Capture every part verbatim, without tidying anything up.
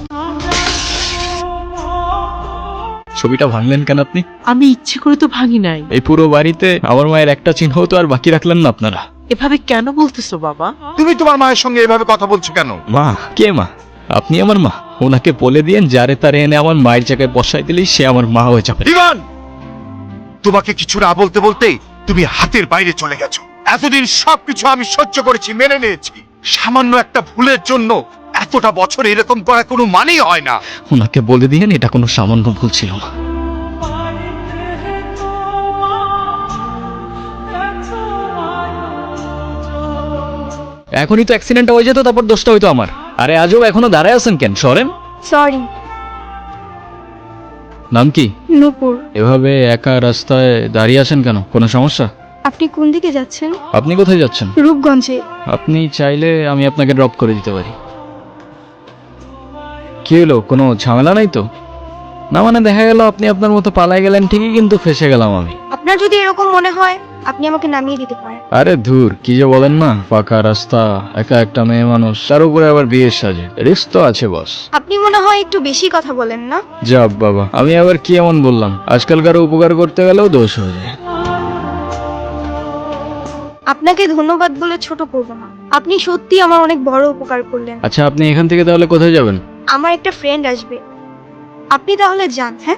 ছবিটা ভাঙলেন কেন আপনি? আমি ইচ্ছে করে তো ভাঙি নাই। এই পুরো বাড়িতে আমার মায়ের একটা চিহ্ন তো আর বাকি রাখলেন না আপনারা। এভাবে কেন বলতেছো বাবা? তুমি তোমার মায়ের সঙ্গে এভাবে কথা বলছো কেন? মা? কে মা? আপনি আমার মা? ওনাকে বলে দিয়েন যারে তারে এনে আমার মায়ের জায়গায় বসাই দিলেই সে আমার মা হয়ে যাবে। ইভান, তোমাকে কিছু না বলতে বলতেই তুমি হাতের বাইরে চলে গেছো। এতদিন সবকিছু আমি সহ্য করেছি, মেনে নিয়েছি। সামান্য একটা ভুলের জন্য এতটা বছর এরকম করা কোনো মানেই হয় না। ওনাকে বলে দিয়েন এটা কোনো সামান্য ভুল ছিল না। এখনই তো অ্যাক্সিডেন্ট হয়ে যেত, তারপর দোষটা হইতো আমার। আরে আজও এখনো দাঁড়ায় আছেন কেন? সরেন। সরি। নাম কি? নূপুর। এভাবে একা রাস্তায় দাঁড়িয়ে আছেন কেন? কোনো সমস্যা? আপনি কোন দিকে যাচ্ছেন? আপনি কোথায় যাচ্ছেন? রূপগঞ্জে। আপনি চাইলে আমি আপনাকে ড্রপ করে দিতে পারি। কি হলো, কোনো ঝামেলা নাই তো? না মানে দেখা গেল আপনি আপনার মতো পালাই গেলেন ঠিকই, কিন্তু ফেসে গেলাম আমি। আপনার যদি এরকম মনে হয় আপনি আমাকে নামিয়ে দিতে পারেন। আরে ধুর, কি যে বলেন না। পাকা রাস্তা, একা একটা মেয়ে মানুষ, তার উপরে আবার বিয়ের সাজে, রিস্ক তো আছে বস। আপনি মনে হয় একটু বেশি কথা বলেন না? যাব বাবা, আমি আবার কি এমন বললাম? আজকালকার উপকার করতে গেলেও দোষ হয়ে যায়। আপনাকে ধন্যবাদ বলে ছোট করব না। আপনি সত্যি আমার অনেক বড় উপকার করলেন। আচ্ছা, আপনি এখান থেকে তাহলে কোথায় যাবেন? আমার একটা ফ্রেন্ড আসবে, আপনি তাহলে যান। হ্যাঁ,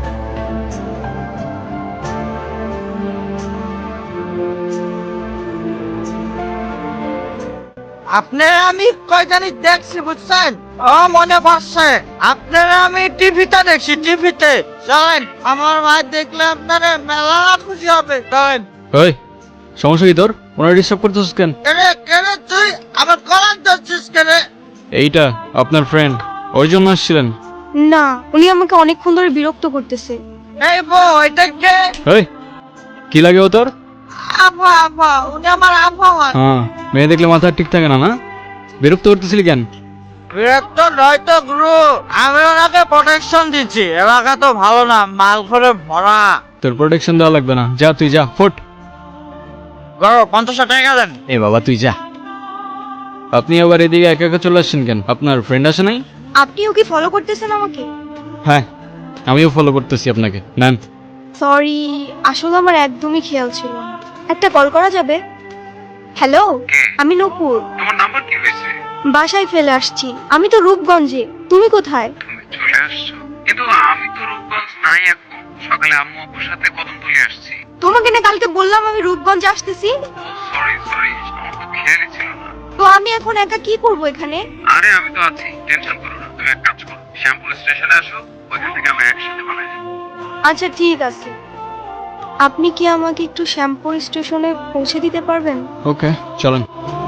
আপনারা আমি কয়জানি দেখছি বুঝছেন? ও মনে পড়ছে, আপনারা আমি টিভিতে দেখছি, টিভিতে। চলেন, আমার ভাই দেখলে আপনারা মেলা খুশি হবে। চলেন। ওই, সমস্যা কি তোর? ওনার ডিস্টার্ব করতেছিস কেন? কেনে কেনে তুই আমার কলার ধরছিস কেনে? এইটা আপনার ফ্রেন্ড, ওই জন্য আসছিলেন? না, উনি আমাকে অনেকক্ষণ ধরে বিরক্ত করতেছে। এই বউ, এটা কে? ওই, কি লাগে ও তোর? আপা, আপা, উনি আমার আপা হয়। হ্যাঁ, মেয়ে দেখলে মাথা ঠিক থাকে না না? বিরক্ত করতেছিলি কেন? বিরক্ত নয় তো গুরু, আমি ওনাকে প্রোটেকশন দিচ্ছি। এলাকা তো ভালো না, মাল করে ভরা। তোর প্রোটেকশন দেওয়া লাগবে না, যা তুই যা, ফুট। গরো পঞ্চাশ টাকা দেন। এ বাবা তুই যা। আপনি আবার এদিকে একা একা চলে আসছেন কেন? আপনার ফ্রেন্ড আসে নাই? আপনিও কি ফলো করতেছেন আমাকে? হ্যাঁ, আমিও ফলো করতেছি আপনাকে। নেন। সরি, আসলে আমার একদমই খেয়াল ছিল না। একটা কল করা যাবে? হ্যালো, আমি নূপুর। তোমার নাম্বার কি হয়েছে? বাসায় ফেলে আসছি। আমি তো রূপগঞ্জে। তুমি কোথায়? তুমি চলে আসছো? কিন্তু আমি তো রূপগঞ্জ নাই এখন। সকালে আম্মু আপুর সাথে কদমতলী আসছি। তোমাকে না কালকে বললাম আমি রূপগঞ্জে আসতেছি। সরি সরি, আমার তো খেয়ালই ছিল না। তো আমি এখন একা কি করব এখানে? আরে আমি তো আছি, টেনশন করো না। তুমি এক কাজ করো, শ্যামপুর স্টেশনে আসো, ওইখান থেকে আমরা একসাথে বানাই যাবো। আচ্ছা ঠিক আছে। আপনি কি আমাকে একটু শ্যামপুর স্টেশনে পৌঁছে দিতে পারবেন? ওকে, চলেন।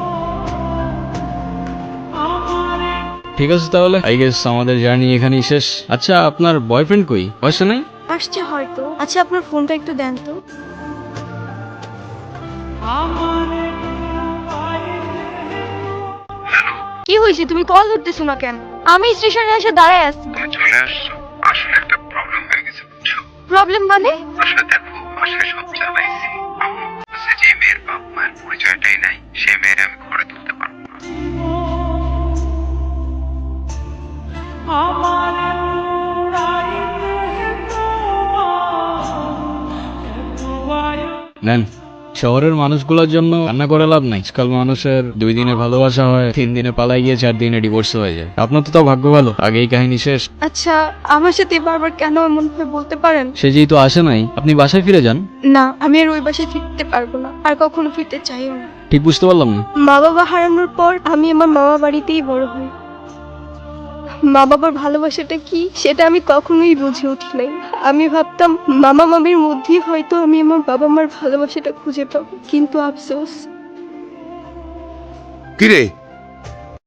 ঠিক আছে তাহলে, আই গেস আমাদের জার্নি এখানেই শেষ। আচ্ছা, আপনার বয়ফ্রেন্ড কই? বয়সে নাই? আসছে হয়তো। আচ্ছা, আপনার ফোনটা একটু দেন তো। কি হয়েছে, তুমি কল ধরতেছো না কেন? আমি স্টেশনে এসে দাঁড়ায় আছি। তুমি চলে আসছো, আসলে একটা প্রবলেম হয়ে গেছে বুঝছো? প্রবলেম মানে? আসলে দেখো, বাসায় সব জানাইছি। আম্মু বলছে যে মেয়ের বাপ মায়ের পরিচয়টাই নাই, সে মেয়ের আমি ঘরে তুলতে পারবো না। নেন। শহরের মানুষগুলোর জন্য রান্না করে লাভ নাই। আজকাল মানুষের দুই দিনে ভালোবাসা হয়, তিন দিনে পালাই গিয়ে চার দিনে ডিভোর্স হয়ে যায়। আপনার তো তাও ভাগ্য ভালো, আগেই কাহিনী শেষ। আচ্ছা, আমার সাথে বারবার কেন এমন ভাবে বলতে পারেন? সে যেহেতু আসে নাই, আপনি বাসায় ফিরে যান। না, আমি আর ওই বাসায় ফিরতে পারবো না, আর কখনো ফিরতে চাইও না। ঠিক বুঝতে পারলাম না। মা বাবা হারানোর পর আমি আমার মামা বাড়িতেই বড় হই। মা বাবার ভালোবাসাটা কি সেটা আমি কখনোই বুঝে উঠি নাই। আমি ভাবতাম মামা মামির মধ্যেই হয়তো আমি আমার বাবা মার ভালোবাসাটা খুঁজে পাবো, কিন্তু আফসোস। কিরে,